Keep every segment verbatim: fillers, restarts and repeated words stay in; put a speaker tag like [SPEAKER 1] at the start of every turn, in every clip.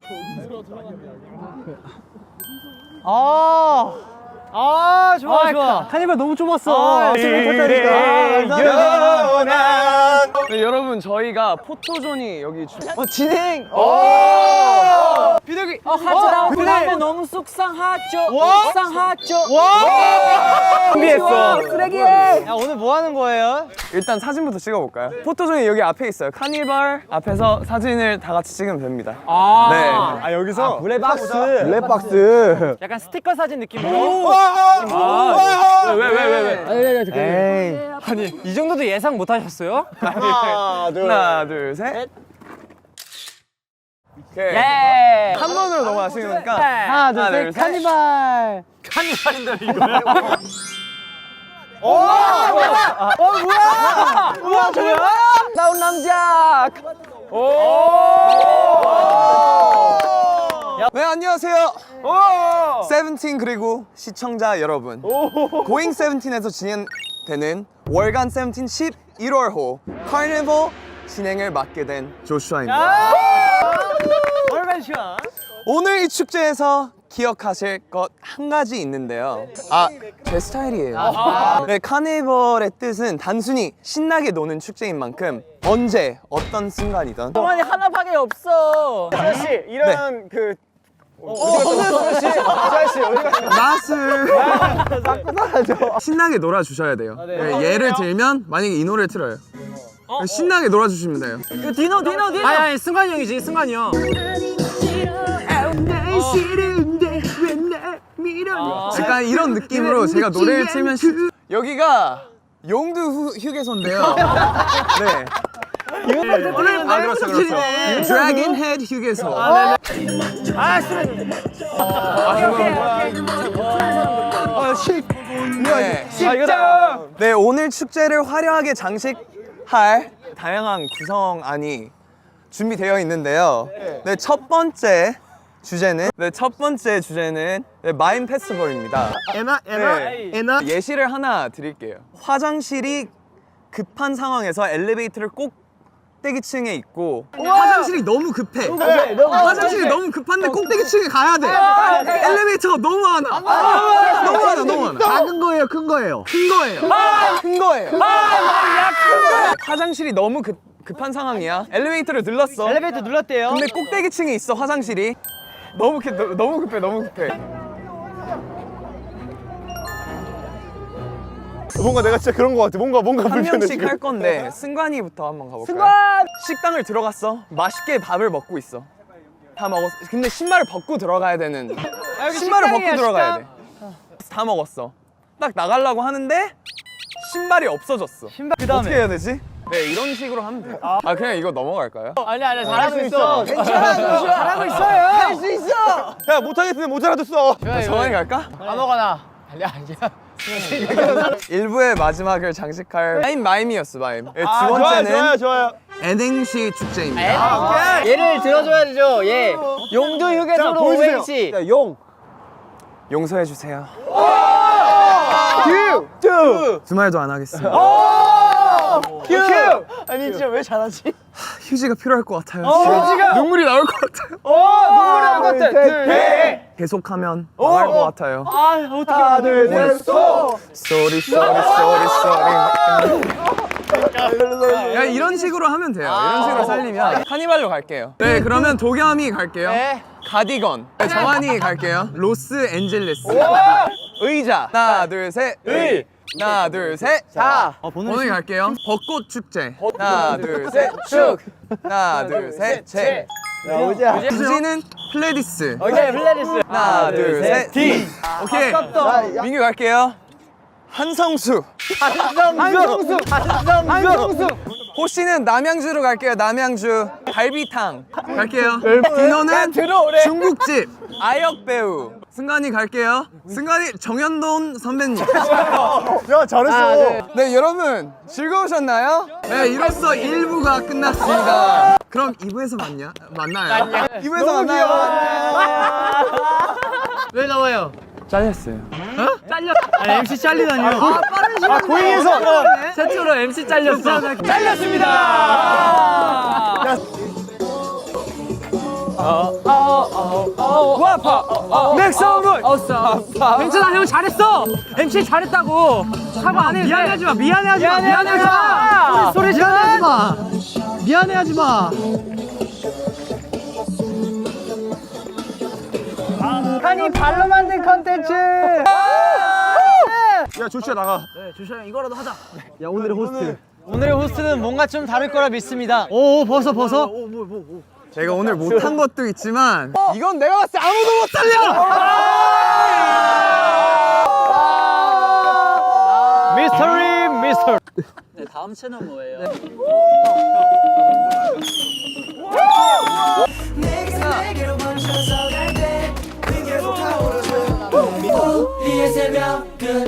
[SPEAKER 1] 아, 아 좋아 아, 좋아. 카니발 너무 좁았어. 아,
[SPEAKER 2] 네, 여러분 저희가 포토존이 여기 주...
[SPEAKER 1] 어 진행.
[SPEAKER 2] 오! 비둘기.
[SPEAKER 1] 어 하트 나오고 나면 너무 속상하죠. 속상하죠. 와! 준비했어. 쓰레기해. 야 오늘 뭐 하는 거예요?
[SPEAKER 2] 일단 사진부터 찍어볼까요? 포토존이 여기 앞에 있어요. 카니발 앞에서 사진을 다 같이 찍으면 됩니다.
[SPEAKER 1] 아,
[SPEAKER 2] 네.
[SPEAKER 1] 아 여기서
[SPEAKER 3] 블랙박스.
[SPEAKER 1] 블랙박스. 약간 스티커 사진 느낌으로.
[SPEAKER 2] 왜왜왜 왜 왜?
[SPEAKER 1] 에이. 아니 이 정도도 예상 못 하셨어요?
[SPEAKER 2] 하나 둘 하나 둘 셋. 오케이.
[SPEAKER 1] 예.
[SPEAKER 2] 한 번으로 넘어가시는 거니까
[SPEAKER 1] 하나 둘 셋. 카니발. 카니발인데 이거요? 오! 어 뭐야? 우와 뭐야? 나온 남자. 오!
[SPEAKER 2] 네 안녕하세요.
[SPEAKER 1] 오!
[SPEAKER 2] 세븐틴 그리고 시청자 여러분. 고잉 세븐틴에서 진행되는 월간 세븐틴 십일월호 카니발 진행을 맡게 된 조슈아입니다.
[SPEAKER 1] 얼마나 시간?
[SPEAKER 2] 오늘 이 축제에서 기억하실 것 한 가지 있는데요. 아, 제 스타일이에요. 네, 카니발의 뜻은 단순히 신나게 노는 축제인 만큼 언제 어떤 순간이든
[SPEAKER 1] 동안이 하나밖에 없어.
[SPEAKER 3] 씨 이런
[SPEAKER 2] 네.
[SPEAKER 3] 그
[SPEAKER 2] 맛을 신나게 놀아주셔야 돼요. 네, 예를 들면 만약에 이 노래를 틀어요. 신나게 놀아주시면 돼요.
[SPEAKER 1] 그 디노 디노 디노. 아니 아니 승관이 형이지 승관이 형.
[SPEAKER 2] 약간 이런 느낌으로 제가 노래를 틀면 시... 여기가 용두 휴, 휴게소인데요. 네. 아 그렇죠 그렇죠. 드래곤 헤드 휴게소.
[SPEAKER 1] 아 쓰레기.
[SPEAKER 2] 네. 네 오늘 축제를 화려하게 장식할 다양한 구성안이 준비되어 있는데요. 네 첫 번째 주제는 네 첫 번째 주제는 네, 마임 페스티벌입니다.
[SPEAKER 3] 에나 에나
[SPEAKER 2] 네.
[SPEAKER 3] 에나
[SPEAKER 2] 예시를 하나 드릴게요. 화장실이 급한 상황에서 엘리베이터를 꼭대기층에 있고 화장실이 너무 급해. 화장실이 너무 급한데 꼭대기층에 가야 돼. 엘리베이터가 너무 많아. 너무 많아, 너무 많아.
[SPEAKER 3] 작은 거예요, 큰 거예요?
[SPEAKER 2] 큰 거예요. 큰 거예요. 화장실이 너무 급, 급한 상황이야. 엘리베이터를 눌렀어.
[SPEAKER 1] 엘리베이터 눌렀대요.
[SPEAKER 2] 근데 꼭대기층에 있어 화장실이. 너무 급, 너무 급해, 너무 급해.
[SPEAKER 3] 뭔가 내가 진짜 그런 거 같아. 뭔가 뭔가
[SPEAKER 2] 한
[SPEAKER 3] 불편해.
[SPEAKER 2] 명씩
[SPEAKER 3] 지금.
[SPEAKER 2] 할 건데 승관이부터 한번 가볼까요?
[SPEAKER 1] 승관!
[SPEAKER 2] 식당을 들어갔어. 맛있게 밥을 먹고 있어. 다 먹었어. 근데 신발을 벗고 들어가야 되는. 신발을 벗고
[SPEAKER 1] 식당이야,
[SPEAKER 2] 들어가야 돼. 다 먹었어. 딱 나가려고 하는데 신발이 없어졌어.
[SPEAKER 1] 신발 그다음에
[SPEAKER 2] 어떻게 해야 되지? 네 이런 식으로 하면 돼. 아 그냥 이거 넘어갈까요?
[SPEAKER 1] 아니 아니 잘하고 있어. 괜찮아 잘하고 있어요. 할 수 있어.
[SPEAKER 3] 야 못하겠으면 모자라도 써.
[SPEAKER 2] 정한이 갈까?
[SPEAKER 1] 아무거나. 아니야 아니야.
[SPEAKER 2] 일부의 마지막을 장식할 마임 마임이었어 마임. 네, 두
[SPEAKER 3] 아,
[SPEAKER 2] 번째는
[SPEAKER 3] 좋아요, 좋아요, 좋아요.
[SPEAKER 2] N행시 축제입니다.
[SPEAKER 1] 아, 얘를 들어줘야 되죠. 예. 용두 휴게소로
[SPEAKER 3] 보여주세요.
[SPEAKER 1] 오행시.
[SPEAKER 3] 야, 용.
[SPEAKER 2] 용서해 주세요.
[SPEAKER 3] 큐. 큐.
[SPEAKER 2] 두 말도 안 하겠습니다.
[SPEAKER 3] 큐.
[SPEAKER 1] 아니 진짜 왜 잘하지?
[SPEAKER 2] 휴지가 필요할 것 같아요.
[SPEAKER 1] 휴지가?
[SPEAKER 2] 눈물이 나올 것 같아요.
[SPEAKER 1] 눈물이 나올 것 같아.
[SPEAKER 3] 네.
[SPEAKER 2] 계속하면 망할 것 같아요.
[SPEAKER 1] 아 어떻게?
[SPEAKER 3] 하나, 둘, 셋, 소.
[SPEAKER 2] 쏘리 쏘리 쏘리 쏘리. 야 이런 식으로 하면 돼요. 이런 식으로 살리면 카니발로 갈게요. 네 그러면 도겸이 갈게요.
[SPEAKER 1] 네.
[SPEAKER 2] 가디건. 네, 정한이 갈게요. 로스앤젤레스. 의자. 하나 둘 셋. 의. 하나 둘 셋. 자. 오늘 갈게요. 벚꽃 축제. 하나 둘 셋. 축. 하나 둘 셋. 제.
[SPEAKER 3] 야, 오자.
[SPEAKER 2] 주지는 플레디스.
[SPEAKER 1] 오케이 플레리스.
[SPEAKER 2] 하나 둘 셋. D. 오케이. 민규 갈게요. 한성수.
[SPEAKER 1] 한성수. 한성수.
[SPEAKER 2] 호씨는 남양주로 갈게요. 남양주 갈비탕 갈게요. 디노는 중국집. 아역 배우. 승관이 갈게요. 승관이 정현돈 선배님.
[SPEAKER 3] 야, 잘했어.
[SPEAKER 2] 네 여러분 즐거우셨나요? 네 이로써 일 부가 끝났습니다. 그럼 이 부에서 만냐? 만나요? 이 부에서 만나요.
[SPEAKER 1] 왜 나와요?
[SPEAKER 2] 잘렸어요.
[SPEAKER 1] 잘렸. 아 엠씨 잘리다니요. 아 빠른 시간.
[SPEAKER 3] 아, 고잉에서.
[SPEAKER 1] 최초로 엠씨 잘렸어. 잘렸습니다.
[SPEAKER 3] 야.
[SPEAKER 1] 구아파 맥성문 괜찮아 형 잘했어 엠씨 잘했다고 사과 안 해도 미안해하지 마 미안해하지 마 미안해하지 마 소리
[SPEAKER 3] 미안해하지 마. 미안해하지 마.
[SPEAKER 1] 한이 발로 만든 컨텐츠
[SPEAKER 2] 야 조슈아 나가.
[SPEAKER 3] 야 오늘의 호스트.
[SPEAKER 1] 오늘의 호스트는 뭔가 좀 다를 거라 믿습니다
[SPEAKER 3] 오 벗어 벗어.
[SPEAKER 2] 제가 오늘 못한 것도 있지만 이건 내가 봤을 때 아무도 못 살려.
[SPEAKER 1] 미스터리 미스터 네 다음 채널 뭐예요?
[SPEAKER 4] 우리의 새벽은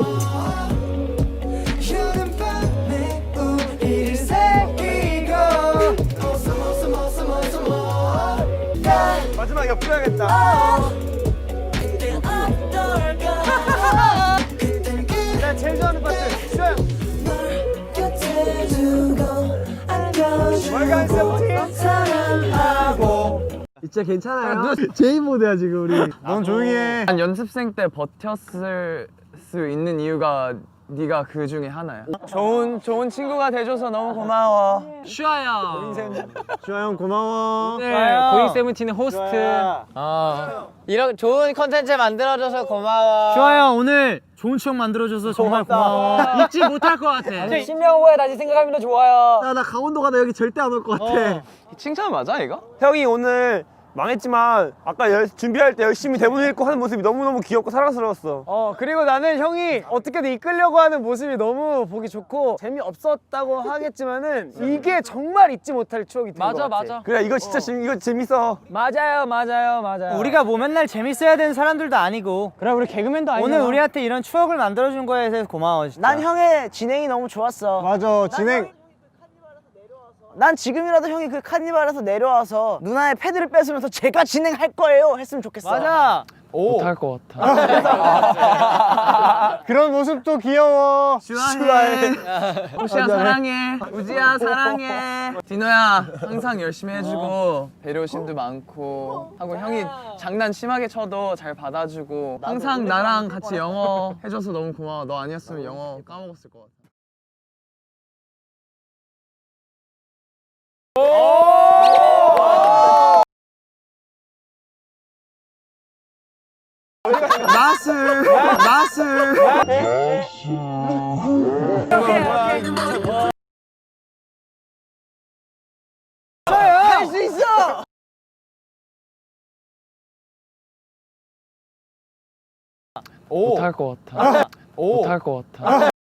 [SPEAKER 4] 여름밤에 우리를 새기고 awesome awesome awesome awesome awesome
[SPEAKER 2] 마지막 옆으로 해야겠다.
[SPEAKER 4] 그땐 어떨까 그땐
[SPEAKER 2] 나 제일 좋아하는 파트. 슈아.
[SPEAKER 4] 널 곁에 두고
[SPEAKER 2] 월간 세븐틴.
[SPEAKER 4] 안겨주고 사랑하고
[SPEAKER 3] 진짜 괜찮아요. 제이 모드야 지금 우리.
[SPEAKER 2] 넌 조용히 해.
[SPEAKER 5] 난 연습생 때 버텼을 수 있는 이유가 네가 그 중에 하나야. 좋은 좋은 친구가 돼줘서 너무 고마워.
[SPEAKER 1] 슈아야
[SPEAKER 3] 주아 형 고마워.
[SPEAKER 1] 네 고잉 세븐틴의 호스트
[SPEAKER 5] 어. 이런 좋은 컨텐츠 만들어줘서 고마워.
[SPEAKER 1] 슈아야 오늘 좋은 추억 만들어줘서 정말 고마워 잊지 못할 것 같아 신명 후에 다시 생각하면 더 좋아요
[SPEAKER 3] 야 나 강원도 가다 여기 절대 안 올 것 같아.
[SPEAKER 5] 칭찬 맞아 이거?
[SPEAKER 6] 형이 오늘 망했지만 아까 열, 준비할 때 열심히 대본 읽고 하는 모습이 너무너무 귀엽고 사랑스러웠어.
[SPEAKER 1] 어 그리고 나는 형이 어떻게든 이끌려고 하는 모습이 너무 보기 좋고 재미없었다고 하겠지만은 이게 정말 잊지 못할 추억이 된 것 같아 맞아
[SPEAKER 6] 그래 이거 진짜 재 이거 재밌어.
[SPEAKER 1] 맞아요 맞아요 맞아요 우리가 뭐 맨날 재밌어야 되는 사람들도 아니고 그래 우리 개그맨도 아니고 오늘 우리한테 이런 추억을 만들어준 거에 대해서 고마워 진짜
[SPEAKER 7] 난 형의 진행이 너무 좋았어.
[SPEAKER 3] 맞아 진행.
[SPEAKER 7] 난 지금이라도 형이 그 카니발에서 내려와서 누나의 패드를 뺏으면서 제가 진행할 거예요 했으면 좋겠어.
[SPEAKER 1] 맞아
[SPEAKER 5] 못할 것 같아.
[SPEAKER 3] 그런 모습도 귀여워.
[SPEAKER 2] 슈아해.
[SPEAKER 5] 우시야 사랑해. 우지야 사랑해. 디노야 항상 열심히 해주고 배려심도 많고 하고 형이 장난 심하게 쳐도 잘 받아주고 항상 나랑 같이 영어 해줘서 너무 고마워. 너 아니었으면 영어 까먹었을 것 같아.
[SPEAKER 2] 마슬. 마슬.
[SPEAKER 7] 할 수 있어.
[SPEAKER 5] 못할 것 같아. 못할 것 같아.